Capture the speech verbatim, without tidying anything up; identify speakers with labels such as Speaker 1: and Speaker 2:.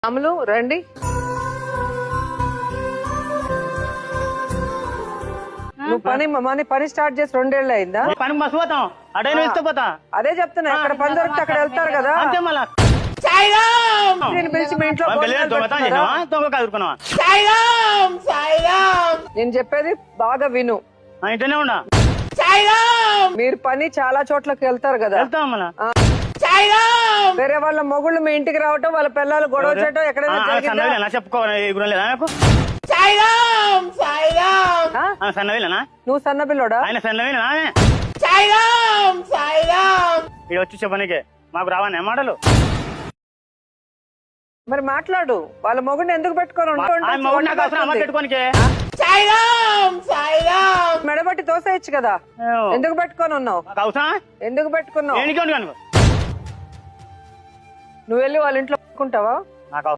Speaker 1: అమలు రండి. నువ్వు పని మన పని స్టార్ట్ చేసి రెండేళ్ళు అయిందా?
Speaker 2: పని మస్తు పోతాం అడైనా ఇస్తే పోతా.
Speaker 1: అదే చెప్తున్నా, ఎక్కడ పని దొరికితే అక్కడ వెళ్తారు కదా.
Speaker 2: అంతే మళ్ళా
Speaker 1: నేను పిలిచి మీ ఇంట్లో భోజనాలు పెడుతున్నారా?
Speaker 2: దొంగ కాదుకున్నావా?
Speaker 1: నేను చెప్పేది బాగా విను.
Speaker 2: ఇంటనే ఉన్నా
Speaker 1: మీరు పని చాలా చోట్లకి వెళ్తారు కదా.
Speaker 2: వెళ్తాం మళ్ళా.
Speaker 1: వేరే వాళ్ళ మొగుళ్ళు మీ ఇంటికి రావటం, వాళ్ళ పిల్లలు గొడవ చేయటం ఎక్కడైనా జరిగిందా?
Speaker 2: చెప్పుకోవాలి లేదా నాకు
Speaker 1: ఆ?
Speaker 2: సన్నవేలేనా?
Speaker 1: నువ్వు సన్న పిల్లోడా?
Speaker 2: ఆయన సన్నవేనా? ఇక్కడ వచ్చి చెప్పనీకే మాకు రావని మాటలు.
Speaker 1: మరి మాట్లాడు. వాళ్ళ మొగుడిని ఎందుకు పెట్టుకొని
Speaker 2: పెట్టుకోనికే
Speaker 1: మెడబట్టి తోసేయచ్చు కదా. ఎందుకు పెట్టుకొని ఉన్నావు? ఎందుకు పెట్టుకున్నావు? నువ్వు వెళ్ళి వాళ్ళ ఇంట్లో పెట్టుకుంటావా?